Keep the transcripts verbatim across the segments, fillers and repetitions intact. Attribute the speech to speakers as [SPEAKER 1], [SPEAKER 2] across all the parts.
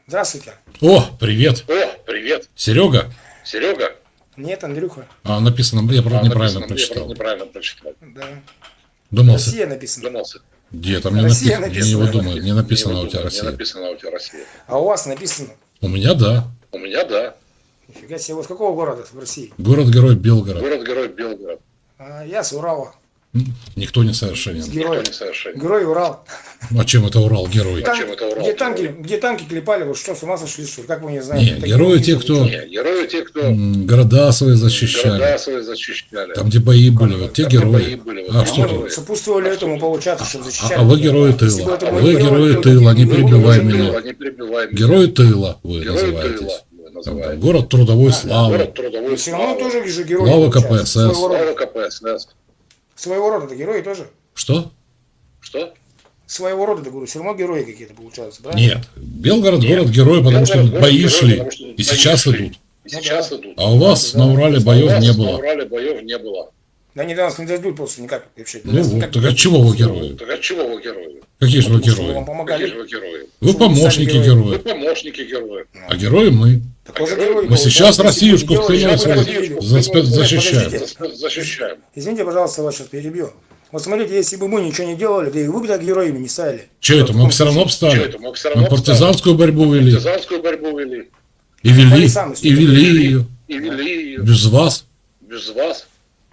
[SPEAKER 1] Здравствуйте.
[SPEAKER 2] О, привет.
[SPEAKER 3] О, привет.
[SPEAKER 2] Серега?
[SPEAKER 3] Серега?
[SPEAKER 1] Нет, Андрюха.
[SPEAKER 2] А, написано, я правда
[SPEAKER 3] А,
[SPEAKER 2] неправильно
[SPEAKER 3] написано,
[SPEAKER 2] прочитал.
[SPEAKER 3] Я правда неправильно прочитал.
[SPEAKER 1] Да.
[SPEAKER 2] Думался.
[SPEAKER 1] Россия написано.
[SPEAKER 3] Думался.
[SPEAKER 2] Где там не
[SPEAKER 1] Россия
[SPEAKER 2] написано?
[SPEAKER 1] написано.
[SPEAKER 2] Я его думаю, не написано
[SPEAKER 3] Не
[SPEAKER 2] у тебя
[SPEAKER 3] думаю,
[SPEAKER 2] Россия.
[SPEAKER 3] Не написано у тебя Россия.
[SPEAKER 1] А у вас написано.
[SPEAKER 2] У меня да.
[SPEAKER 3] У меня да.
[SPEAKER 1] Нифига себе. Вы с какого города в России?
[SPEAKER 2] Город-герой Белгород.
[SPEAKER 3] Город-герой Белгород.
[SPEAKER 1] А, я с Урала.
[SPEAKER 2] М, Никто не совершенен.
[SPEAKER 1] Герой.
[SPEAKER 3] Никто не совершенен.
[SPEAKER 1] Герой Урал.
[SPEAKER 2] А чем это Урал герой?
[SPEAKER 1] Там,
[SPEAKER 3] чем это Урал
[SPEAKER 1] где,
[SPEAKER 3] герой?
[SPEAKER 1] танки, где танки клепали, вы что, с ума сошли, что ли? Как вы не знаете?
[SPEAKER 2] Не,
[SPEAKER 1] Такие
[SPEAKER 2] герои
[SPEAKER 1] люди
[SPEAKER 2] те,
[SPEAKER 1] были.
[SPEAKER 2] кто
[SPEAKER 3] Не, герои те, кто
[SPEAKER 2] м, города свои защищали.
[SPEAKER 3] города свои защищали.
[SPEAKER 2] Там, где бои были, вот те
[SPEAKER 3] Там, где бои
[SPEAKER 2] герои.
[SPEAKER 3] были, вот
[SPEAKER 2] А
[SPEAKER 3] те
[SPEAKER 2] что
[SPEAKER 1] Мы
[SPEAKER 2] тут?
[SPEAKER 3] герои.
[SPEAKER 1] сопутствовали этому, получаться, чтобы
[SPEAKER 2] А,
[SPEAKER 1] защищать.
[SPEAKER 2] а вы герои
[SPEAKER 1] Если бы
[SPEAKER 2] тыла.
[SPEAKER 1] это
[SPEAKER 2] А
[SPEAKER 1] был
[SPEAKER 2] вы
[SPEAKER 1] герой,
[SPEAKER 2] герои
[SPEAKER 1] то
[SPEAKER 2] тыла, не
[SPEAKER 1] вы бы
[SPEAKER 2] перебивай
[SPEAKER 1] уже
[SPEAKER 2] меня.
[SPEAKER 3] Тыла, не перебивай меня.
[SPEAKER 2] Герои тыла вы
[SPEAKER 3] Герои
[SPEAKER 2] называетесь.
[SPEAKER 3] тыла вы
[SPEAKER 2] Там,
[SPEAKER 3] называете.
[SPEAKER 2] там, город трудовой славы.
[SPEAKER 3] Город трудовой
[SPEAKER 1] Но все равно
[SPEAKER 3] славы.
[SPEAKER 1] тоже же герои.
[SPEAKER 2] Слава
[SPEAKER 1] получаются.
[SPEAKER 2] КПСС.
[SPEAKER 1] Своего рода.
[SPEAKER 3] Слава КПСС.
[SPEAKER 1] Своего рода это герои тоже.
[SPEAKER 2] Что?
[SPEAKER 3] Что?
[SPEAKER 1] Своего рода, говорю, все равно герои какие-то получаются, правильно?
[SPEAKER 2] Нет. Белгород
[SPEAKER 3] Нет.
[SPEAKER 2] город-герой, потому
[SPEAKER 3] Белгород
[SPEAKER 2] что
[SPEAKER 3] город
[SPEAKER 2] бои
[SPEAKER 3] герой,
[SPEAKER 2] шли.
[SPEAKER 3] потому что
[SPEAKER 2] И
[SPEAKER 3] бои
[SPEAKER 2] сейчас
[SPEAKER 3] шли.
[SPEAKER 2] идут.
[SPEAKER 3] И сейчас идут.
[SPEAKER 2] А у вас
[SPEAKER 1] Да,
[SPEAKER 2] на Урале
[SPEAKER 1] да.
[SPEAKER 2] боев
[SPEAKER 3] У вас
[SPEAKER 2] не
[SPEAKER 3] На
[SPEAKER 2] было.
[SPEAKER 3] Урале боев не было.
[SPEAKER 1] Да они до нас не дойдут просто никак вообще.
[SPEAKER 2] Ну
[SPEAKER 1] Нас
[SPEAKER 2] вот,
[SPEAKER 1] никак
[SPEAKER 2] так
[SPEAKER 1] не
[SPEAKER 2] от чего вы
[SPEAKER 1] дойдут.
[SPEAKER 2] герои?
[SPEAKER 3] Так от чего вы герои?
[SPEAKER 2] Какие же вы
[SPEAKER 1] Потому что мы вам
[SPEAKER 2] герои?
[SPEAKER 1] помогали.
[SPEAKER 3] Какие же вы герои?
[SPEAKER 2] Вы
[SPEAKER 1] Что вы
[SPEAKER 2] помощники
[SPEAKER 1] сами
[SPEAKER 3] Вы
[SPEAKER 2] героев.
[SPEAKER 3] помощники героев.
[SPEAKER 2] А герои мы.
[SPEAKER 1] Так тоже
[SPEAKER 3] Мы
[SPEAKER 1] герои.
[SPEAKER 2] Мы сейчас
[SPEAKER 1] получается.
[SPEAKER 2] Россиюшку
[SPEAKER 1] Если бы
[SPEAKER 2] в
[SPEAKER 1] делали,
[SPEAKER 2] спину
[SPEAKER 1] я бы
[SPEAKER 2] свою
[SPEAKER 1] победил.
[SPEAKER 2] за-
[SPEAKER 1] Нет,
[SPEAKER 2] защищаем.
[SPEAKER 1] подождите.
[SPEAKER 3] Защищаем.
[SPEAKER 1] Извините, пожалуйста, вас сейчас перебью. Вот смотрите, если бы мы ничего не делали, да и вы бы так героями не стали.
[SPEAKER 2] Че это? Мы все равно
[SPEAKER 3] Что
[SPEAKER 2] встали.
[SPEAKER 3] это? Мы все равно
[SPEAKER 2] Мы партизанскую борьбу вели.
[SPEAKER 3] партизанскую борьбу вели.
[SPEAKER 2] И вели.
[SPEAKER 1] Они сами
[SPEAKER 2] И вели ее.
[SPEAKER 3] И вели ее.
[SPEAKER 2] Без вас.
[SPEAKER 3] Без вас.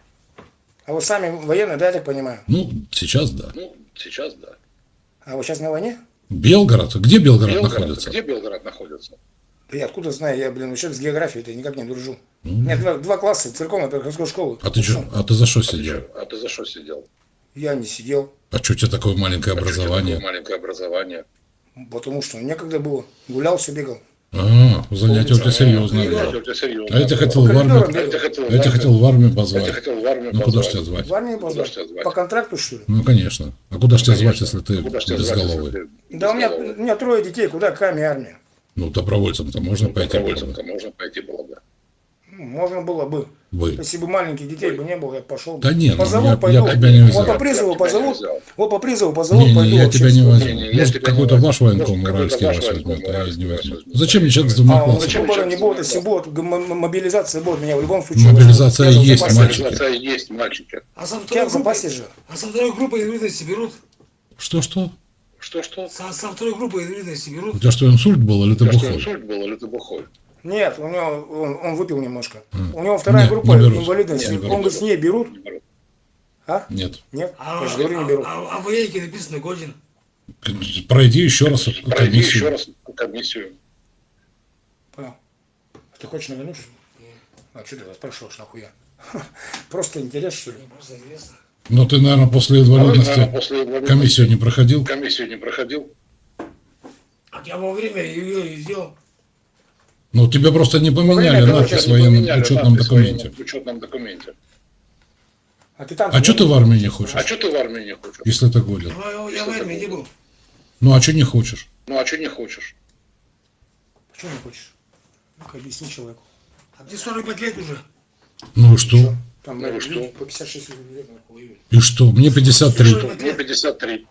[SPEAKER 1] А вы сами военные, да, я так понимаю?
[SPEAKER 2] Ну, сейчас да.
[SPEAKER 3] Ну, сейчас да.
[SPEAKER 1] А вы сейчас на войне?
[SPEAKER 2] Белгород. Где Белгород
[SPEAKER 3] Белгород.
[SPEAKER 2] находится?
[SPEAKER 3] Где Белгород находится?
[SPEAKER 1] Да я откуда знаю, я, блин, вообще с географией-то никак не дружу.
[SPEAKER 2] Ну.
[SPEAKER 1] У меня два, два класса церковной приходской школы.
[SPEAKER 2] А ты что? А ты за что сидел?
[SPEAKER 3] А ты за что сидел?
[SPEAKER 1] Я не сидел,
[SPEAKER 2] А что у тебя такое маленькое
[SPEAKER 3] А что у тебя
[SPEAKER 2] образование?
[SPEAKER 3] такое маленькое образование.
[SPEAKER 1] потому что некогда было. Гулял, все бегал.
[SPEAKER 2] А, занятия у тебя серьезные.
[SPEAKER 3] Ну,
[SPEAKER 2] были.
[SPEAKER 3] у тебя серьезно.
[SPEAKER 2] А я тебя хотел в
[SPEAKER 1] По коридорам
[SPEAKER 2] армию.
[SPEAKER 3] А я тебя хотел
[SPEAKER 2] А я тебя
[SPEAKER 3] в
[SPEAKER 2] хотел в армию
[SPEAKER 3] Я
[SPEAKER 2] позвать.
[SPEAKER 3] тебя хотел в армию
[SPEAKER 2] Ну куда ж
[SPEAKER 3] позвать.
[SPEAKER 2] тебя звать?
[SPEAKER 1] В армию
[SPEAKER 3] Куда
[SPEAKER 1] позвать?
[SPEAKER 3] ж тебя звать?
[SPEAKER 1] По контракту, что ли?
[SPEAKER 2] Ну конечно. А куда ж тебя звать,
[SPEAKER 3] Конечно.
[SPEAKER 2] если ты
[SPEAKER 3] Куда ж тебя звать,
[SPEAKER 2] безголовый?
[SPEAKER 3] если ты
[SPEAKER 1] Да у меня,
[SPEAKER 3] безголовый?
[SPEAKER 1] у меня трое детей, куда какая армия?
[SPEAKER 2] Ну добровольцем-то можно пойти было бы.
[SPEAKER 3] Добровольцем-то можно пойти было бы.
[SPEAKER 1] Ну, можно было бы.
[SPEAKER 2] Вы.
[SPEAKER 1] Если бы маленьких детей бы не было, я пошел бы.
[SPEAKER 2] Да не, ну,
[SPEAKER 1] позовут,
[SPEAKER 2] я-
[SPEAKER 1] пойду.
[SPEAKER 2] я тебя не взял.
[SPEAKER 1] Вот по призыву
[SPEAKER 3] Я тебя не
[SPEAKER 1] позовут.
[SPEAKER 3] взял.
[SPEAKER 1] Вот по призыву позовут,
[SPEAKER 2] Не, не,
[SPEAKER 1] пойду.
[SPEAKER 2] я
[SPEAKER 1] вообще
[SPEAKER 2] тебя не
[SPEAKER 1] с
[SPEAKER 2] возьму.
[SPEAKER 3] Не, не, я
[SPEAKER 2] Может,
[SPEAKER 3] тебя не
[SPEAKER 2] какой-то
[SPEAKER 3] возьму.
[SPEAKER 2] ваш военком
[SPEAKER 3] Может,
[SPEAKER 2] уральский
[SPEAKER 3] какой-то
[SPEAKER 2] вас
[SPEAKER 3] ваш
[SPEAKER 2] возьмет,
[SPEAKER 3] военком
[SPEAKER 2] а я не
[SPEAKER 3] уральский
[SPEAKER 2] возьму.
[SPEAKER 3] вас возьмет.
[SPEAKER 2] Зачем мне человек с
[SPEAKER 1] А,
[SPEAKER 2] двумя
[SPEAKER 1] ну,
[SPEAKER 2] классами?
[SPEAKER 1] зачем было, не будет, если будет, м- м- мобилизация будет, меня в любом случае.
[SPEAKER 2] Мобилизация
[SPEAKER 1] возьмут.
[SPEAKER 2] есть,
[SPEAKER 1] Я в запасе.
[SPEAKER 2] мальчики.
[SPEAKER 3] Мобилизация есть, мальчики.
[SPEAKER 4] А со
[SPEAKER 1] У тебя
[SPEAKER 4] второй
[SPEAKER 1] в запасе
[SPEAKER 4] группы,
[SPEAKER 1] же.
[SPEAKER 4] а со второй группы инвалидности берут?
[SPEAKER 2] Что-что?
[SPEAKER 3] Что-что?
[SPEAKER 4] Со, со второй группы инвалидности
[SPEAKER 2] У
[SPEAKER 4] берут?
[SPEAKER 2] тебя что, инсульт был или ты
[SPEAKER 3] У тебя что,
[SPEAKER 2] бухой?
[SPEAKER 3] инсульт был или ты бухой?
[SPEAKER 1] Нет, у него, он, он выпил немножко.
[SPEAKER 2] М.
[SPEAKER 1] У него вторая
[SPEAKER 2] Нет,
[SPEAKER 1] группа
[SPEAKER 2] не берут.
[SPEAKER 1] инвалидности.
[SPEAKER 2] Не берут.
[SPEAKER 1] Он говорит, с ней берут.
[SPEAKER 3] Не беру.
[SPEAKER 1] А?
[SPEAKER 2] Нет.
[SPEAKER 1] Нет?
[SPEAKER 4] А,
[SPEAKER 1] Я же говорю, не берут.
[SPEAKER 4] а, а, а в военке написано годен.
[SPEAKER 2] Пройди еще раз
[SPEAKER 3] Пройди еще
[SPEAKER 2] комиссию.
[SPEAKER 3] раз комиссию.
[SPEAKER 1] Понял. Ты хочешь на войну? А что ты вас спрашиваешь, нахуя? Просто интерес, что ли?
[SPEAKER 4] Мне просто интересно.
[SPEAKER 2] Но ты, наверное, после
[SPEAKER 3] А вы, наверное,
[SPEAKER 2] инвалидности
[SPEAKER 3] после инвалидности
[SPEAKER 2] комиссию не проходил?
[SPEAKER 3] комиссию не проходил?
[SPEAKER 4] А я во время ее сделал.
[SPEAKER 2] Ну, тебя просто не поменяли
[SPEAKER 1] время,
[SPEAKER 2] надпись
[SPEAKER 1] короче,
[SPEAKER 2] в военном
[SPEAKER 3] Поменяли
[SPEAKER 2] учетном
[SPEAKER 3] надпись в военном
[SPEAKER 2] документе.
[SPEAKER 3] учетном документе.
[SPEAKER 1] А ты там...
[SPEAKER 2] А что ты в армию не хочешь,
[SPEAKER 3] А что ты в армии не хочешь?
[SPEAKER 2] если ты годен?
[SPEAKER 4] Я, я в армии не был.
[SPEAKER 2] Ну, а что не хочешь?
[SPEAKER 3] Ну а что не хочешь?
[SPEAKER 1] Почему не хочешь? Ну-ка, объясни человеку.
[SPEAKER 4] А мне сорок пять лет уже.
[SPEAKER 2] Ну и что?
[SPEAKER 1] Там
[SPEAKER 3] Ну и
[SPEAKER 1] люди
[SPEAKER 3] что?
[SPEAKER 1] по пятьдесят шесть лет нахуй воюют.
[SPEAKER 2] И что? Мне пятьдесят три.
[SPEAKER 3] Мне пятьдесят три.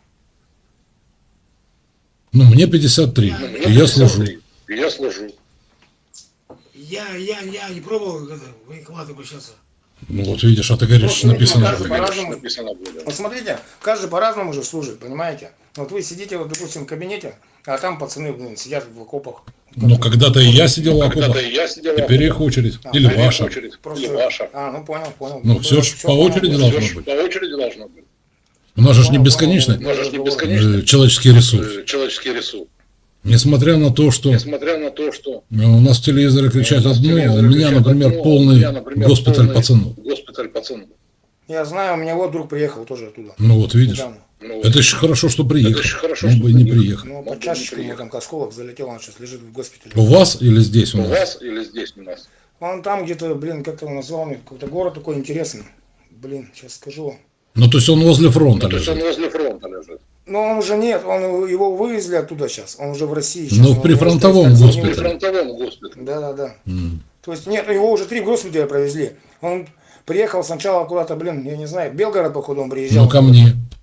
[SPEAKER 2] Ну, мне пятьдесят три.
[SPEAKER 3] Ну, мне
[SPEAKER 2] И я
[SPEAKER 3] пятьдесят
[SPEAKER 2] служу.
[SPEAKER 3] три. И я служу.
[SPEAKER 4] Я, я, я не пробовал это, в военкомат обращаться.
[SPEAKER 2] Ну, вот видишь, а ты говоришь, что написано
[SPEAKER 1] Каждый
[SPEAKER 2] годен.
[SPEAKER 1] по-разному.
[SPEAKER 3] Написано будет.
[SPEAKER 1] Вот смотрите, каждый по-разному же служит, понимаете? Вот вы сидите, вот, допустим, в кабинете, а там пацаны, блин, сидят в окопах.
[SPEAKER 2] Ну, когда-то и я сидел в
[SPEAKER 3] Когда-то
[SPEAKER 2] окопах.
[SPEAKER 3] и я сидел.
[SPEAKER 2] Теперь их очередь.
[SPEAKER 1] А,
[SPEAKER 2] Или
[SPEAKER 1] а их
[SPEAKER 2] ваша.
[SPEAKER 3] очередь.
[SPEAKER 1] Просто...
[SPEAKER 3] Или ваша.
[SPEAKER 1] А, ну понял, понял.
[SPEAKER 2] Ну, всё ж по
[SPEAKER 1] понятно.
[SPEAKER 2] очереди
[SPEAKER 3] Всё
[SPEAKER 2] должно
[SPEAKER 3] ж
[SPEAKER 2] быть.
[SPEAKER 3] По очереди должно быть.
[SPEAKER 2] У нас же ж не
[SPEAKER 1] Понял,
[SPEAKER 2] бесконечный
[SPEAKER 1] понял.
[SPEAKER 3] У нас же не бесконечный
[SPEAKER 2] э, человеческий ресурс.
[SPEAKER 3] э, человеческий ресурс.
[SPEAKER 2] Несмотря на то, что
[SPEAKER 3] Несмотря на то, что
[SPEAKER 2] э, у нас в телевизоре кричат
[SPEAKER 3] у нас
[SPEAKER 2] одно, а у
[SPEAKER 3] телевизоры
[SPEAKER 2] меня,
[SPEAKER 3] кричат
[SPEAKER 2] например,
[SPEAKER 3] одно, а у
[SPEAKER 2] полный
[SPEAKER 3] меня, например,
[SPEAKER 2] госпиталь
[SPEAKER 3] полный
[SPEAKER 2] пацанов.
[SPEAKER 3] Госпиталь пацанов.
[SPEAKER 1] Я знаю, у меня вот друг приехал тоже оттуда.
[SPEAKER 2] Ну вот видишь.
[SPEAKER 1] Недавно.
[SPEAKER 3] Ну,
[SPEAKER 2] Это еще хорошо, что приехал.
[SPEAKER 3] Это еще хорошо,
[SPEAKER 2] Мог
[SPEAKER 3] что
[SPEAKER 2] бы и не
[SPEAKER 3] приехал.
[SPEAKER 2] приехал.
[SPEAKER 1] Ну,
[SPEAKER 3] Мог
[SPEAKER 1] под
[SPEAKER 3] бы не
[SPEAKER 1] чашечку ему
[SPEAKER 3] приехать.
[SPEAKER 1] там осколок залетел, он сейчас лежит в госпитале.
[SPEAKER 2] У вас или здесь у
[SPEAKER 3] у
[SPEAKER 2] нас?
[SPEAKER 3] вас или здесь у нас?
[SPEAKER 1] Он там где-то, блин, как-то он назвал мне, какой-то город такой интересный. Блин, сейчас скажу вам.
[SPEAKER 2] Ну, то есть он возле фронта
[SPEAKER 3] Ну, то есть он
[SPEAKER 2] лежит.
[SPEAKER 3] возле фронта лежит.
[SPEAKER 1] Но он уже нет, он его вывезли оттуда сейчас. Он уже в России. Сейчас.
[SPEAKER 2] Ну,
[SPEAKER 1] Он
[SPEAKER 2] при
[SPEAKER 1] его
[SPEAKER 2] фронтовом
[SPEAKER 1] стоит,
[SPEAKER 3] При
[SPEAKER 2] госпитале.
[SPEAKER 3] фронтовом госпитале.
[SPEAKER 1] Да, да, да.
[SPEAKER 2] М.
[SPEAKER 1] То есть нет, его уже три госпиталя провезли. Он приехал сначала куда-то, блин, я не знаю, в Белгород, походу, он приезжал.
[SPEAKER 2] Ну, ко мне.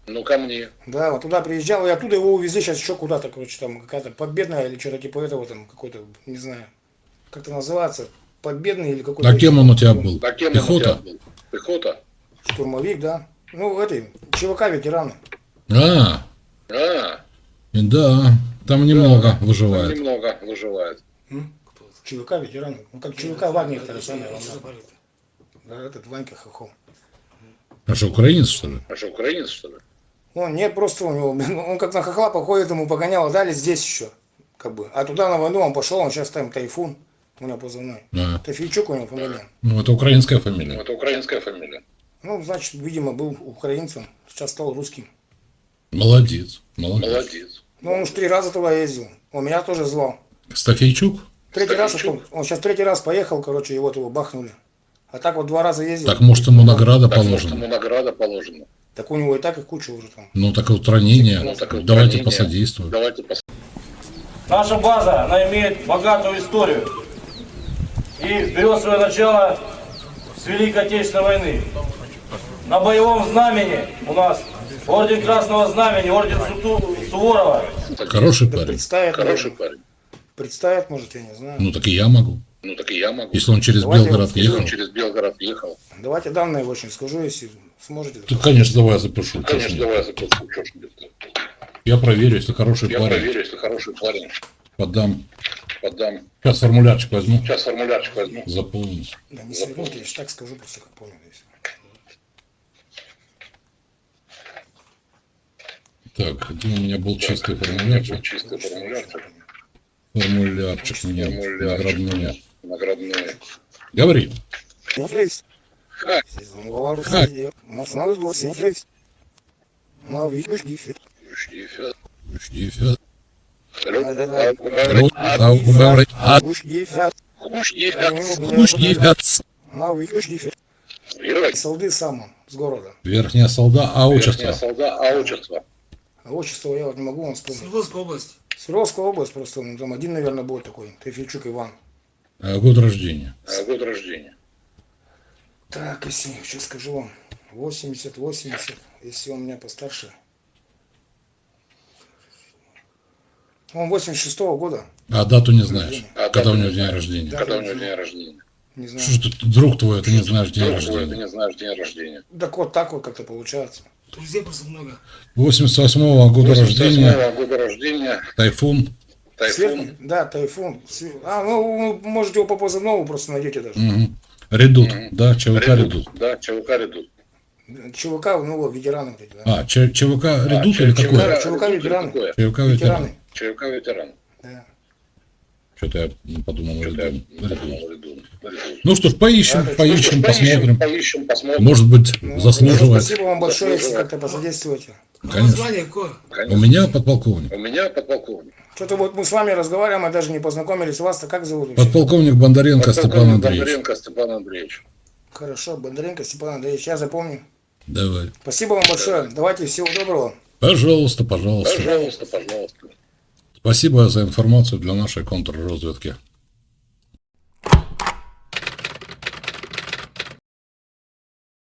[SPEAKER 3] Ну, ко мне.
[SPEAKER 1] Да, вот туда приезжал, и оттуда его увезли сейчас еще куда-то, короче, там какая-то Победная или что-то типа этого, там какой-то, не знаю, как это называется, Победный или какой-то.
[SPEAKER 2] А кем
[SPEAKER 1] еще
[SPEAKER 2] он у тебя
[SPEAKER 1] такой
[SPEAKER 2] был?
[SPEAKER 3] А кем он у тебя
[SPEAKER 2] Пехота?
[SPEAKER 3] был? Пехота?
[SPEAKER 1] Штурмовик, да. Ну, этой, ЧВК ветераны.
[SPEAKER 2] А,
[SPEAKER 3] А,
[SPEAKER 2] и да, там немного
[SPEAKER 3] там
[SPEAKER 2] выживает.
[SPEAKER 3] немного выживает.
[SPEAKER 1] М?
[SPEAKER 4] Кто это?
[SPEAKER 1] ЧВК ветераны. Ну, как ЧВК Вагнер, это же самое.
[SPEAKER 4] Что за
[SPEAKER 1] главное.
[SPEAKER 4] парень-то?
[SPEAKER 1] Да, этот Ванька Хохол.
[SPEAKER 2] А что, украинец, что ли?
[SPEAKER 3] А что, украинец, что ли?
[SPEAKER 1] Он, нет, просто у него, блин, он как на хохла походит, ему погоняло, дали здесь еще, как бы. А туда на войну он пошел, он сейчас там Тайфун, у него позывной.
[SPEAKER 2] А,
[SPEAKER 1] Тайфийчук у него фамилия.
[SPEAKER 2] ну, это украинская фамилия.
[SPEAKER 3] Это украинская фамилия.
[SPEAKER 1] Ну, значит, видимо, был украинцем, сейчас стал русским.
[SPEAKER 2] Молодец, молодец.
[SPEAKER 3] Молодец.
[SPEAKER 1] Ну, он уж три раза туда ездил. Он меня тоже звал.
[SPEAKER 2] Стафейчук?
[SPEAKER 1] Третий раз,
[SPEAKER 3] Стафейчук?
[SPEAKER 1] он, он сейчас третий раз поехал, короче, и вот его бахнули. А так вот два раза ездил.
[SPEAKER 2] Так может ему награда
[SPEAKER 3] Так, может, ему
[SPEAKER 2] положена?
[SPEAKER 3] награда положена.
[SPEAKER 1] Так у него и так их куча уже там.
[SPEAKER 2] Ну так вот ранение.
[SPEAKER 3] Ну, так вот
[SPEAKER 2] Давайте
[SPEAKER 3] ранение.
[SPEAKER 2] посодействуем.
[SPEAKER 3] Давайте пос...
[SPEAKER 5] Наша база, она имеет богатую историю и берет свое начало с Великой Отечественной войны. На боевом знамени у нас орден Красного Знамени, орден Суту- Суворова.
[SPEAKER 2] Хороший
[SPEAKER 1] Да
[SPEAKER 2] парень.
[SPEAKER 1] представят,
[SPEAKER 3] Хороший
[SPEAKER 1] наверное.
[SPEAKER 3] парень.
[SPEAKER 1] Представят, может, я не знаю.
[SPEAKER 2] Ну так и я могу.
[SPEAKER 3] Ну, так и я могу.
[SPEAKER 2] Если он через
[SPEAKER 1] Давайте
[SPEAKER 2] Белгород
[SPEAKER 1] вот
[SPEAKER 2] ехал.
[SPEAKER 3] Он через Белгород ехал.
[SPEAKER 1] Давайте данные очень скажу, если сможете.
[SPEAKER 2] Так, конечно, давай я запишу. чё ж
[SPEAKER 3] Конечно,
[SPEAKER 2] нет.
[SPEAKER 3] давай я запишу. Чё ж нет.
[SPEAKER 2] Я проверю, если хороший
[SPEAKER 3] Я
[SPEAKER 2] парень.
[SPEAKER 3] проверю, если хороший парень.
[SPEAKER 2] Подам.
[SPEAKER 3] Подам.
[SPEAKER 2] Сейчас формулярчик возьму.
[SPEAKER 3] Сейчас формулярчик возьму.
[SPEAKER 2] Заполню.
[SPEAKER 1] Да, не свернуть, я ж так скажу, просто как помню. Здесь.
[SPEAKER 2] Так, где у меня был чистый
[SPEAKER 3] Вот
[SPEAKER 2] формулярчик?
[SPEAKER 3] чистый формулярчик.
[SPEAKER 2] Формулярчик мне наградной.
[SPEAKER 3] Формулярчик. Наградной.
[SPEAKER 2] Говори.
[SPEAKER 1] Смотрись.
[SPEAKER 3] Ха.
[SPEAKER 1] Говорю,
[SPEAKER 2] Ха.
[SPEAKER 1] сидел. Масло было, смотрись. Ну, видишь, диффит.
[SPEAKER 3] Штифет.
[SPEAKER 2] Штифет.
[SPEAKER 3] Рот.
[SPEAKER 2] Рот. А, говори. А,
[SPEAKER 1] Уж диффит.
[SPEAKER 2] штифет.
[SPEAKER 1] Ну, видишь, диффит.
[SPEAKER 3] Верхняя
[SPEAKER 1] Солды сам он, с города.
[SPEAKER 2] Верхняя солда, а отчество.
[SPEAKER 3] солда, а отчество.
[SPEAKER 1] А отчество я вот не могу вам вспомнить.
[SPEAKER 4] Свердловская область.
[SPEAKER 1] Свердловская область просто, ну, там один, наверное, был такой. Тайфийчук Иван.
[SPEAKER 2] А, год рождения.
[SPEAKER 3] А год рождения.
[SPEAKER 1] Так, если, сейчас скажу вам. восемьдесят, восемьдесят, если он меня постарше. Он восемьдесят шестого года.
[SPEAKER 2] А дату не знаешь.
[SPEAKER 3] А
[SPEAKER 2] Когда
[SPEAKER 3] дату
[SPEAKER 2] у
[SPEAKER 3] не
[SPEAKER 2] него день
[SPEAKER 3] знаешь.
[SPEAKER 2] рождения.
[SPEAKER 3] Когда у него день рождения.
[SPEAKER 1] Не знаю.
[SPEAKER 2] Что ж ты, друг твой, ты не знаешь день
[SPEAKER 3] Друг твой, ты
[SPEAKER 2] рождения.
[SPEAKER 3] не знаешь день рождения.
[SPEAKER 1] Так вот так вот как-то получается.
[SPEAKER 4] Друзей просто много.
[SPEAKER 2] восемьдесят восьмого года
[SPEAKER 3] восемьдесят
[SPEAKER 2] рождения.
[SPEAKER 3] восьмого года рождения.
[SPEAKER 2] Тайфун.
[SPEAKER 3] Тайфун.
[SPEAKER 1] Сверху- да, Тайфун. Све- А, ну, вы можете его по позывному просто найдете даже.
[SPEAKER 2] Мгм. Редут. Да, ЧВК Редут.
[SPEAKER 3] Да, ЧВК Редут.
[SPEAKER 1] ЧВК, ну, вот, ветераны вот эти, да.
[SPEAKER 2] А, Ч- ЧВК Редут
[SPEAKER 3] А,
[SPEAKER 2] или
[SPEAKER 3] Ч-
[SPEAKER 2] какой?
[SPEAKER 1] ЧВК ветераны.
[SPEAKER 3] Какое?
[SPEAKER 2] ЧВК ветеран.
[SPEAKER 1] Ветераны.
[SPEAKER 3] ЧВК ветеран.
[SPEAKER 1] Да.
[SPEAKER 2] Что-то я подумал,
[SPEAKER 3] Что-то я
[SPEAKER 2] Редут.
[SPEAKER 3] подумал, Редут. Редут.
[SPEAKER 2] Ну что ж, поищем,
[SPEAKER 1] Да,
[SPEAKER 2] поищем, посмотрим.
[SPEAKER 3] Поищем, посмотрим.
[SPEAKER 2] Может быть,
[SPEAKER 1] Ну,
[SPEAKER 2] заслуживает.
[SPEAKER 1] Спасибо вам большое, если
[SPEAKER 3] Заслуживает.
[SPEAKER 1] как-то посодействуете.
[SPEAKER 4] А
[SPEAKER 2] Конечно.
[SPEAKER 4] название какое?
[SPEAKER 3] Конечно.
[SPEAKER 2] У меня подполковник.
[SPEAKER 3] У меня подполковник.
[SPEAKER 1] Что-то вот мы с вами разговариваем, мы даже не познакомились. Вас-то как зовут? вообще?
[SPEAKER 2] Подполковник Бондаренко Степан
[SPEAKER 3] Подполковник
[SPEAKER 2] Андреевич.
[SPEAKER 3] Бондаренко Степан Андреевич.
[SPEAKER 1] Хорошо, Бондаренко Степан Андреевич, я запомню.
[SPEAKER 2] Давай.
[SPEAKER 1] Спасибо вам большое. Давайте, всего доброго.
[SPEAKER 2] Пожалуйста, пожалуйста.
[SPEAKER 3] Пожалуйста, пожалуйста.
[SPEAKER 2] Спасибо за информацию для нашей контрразведки.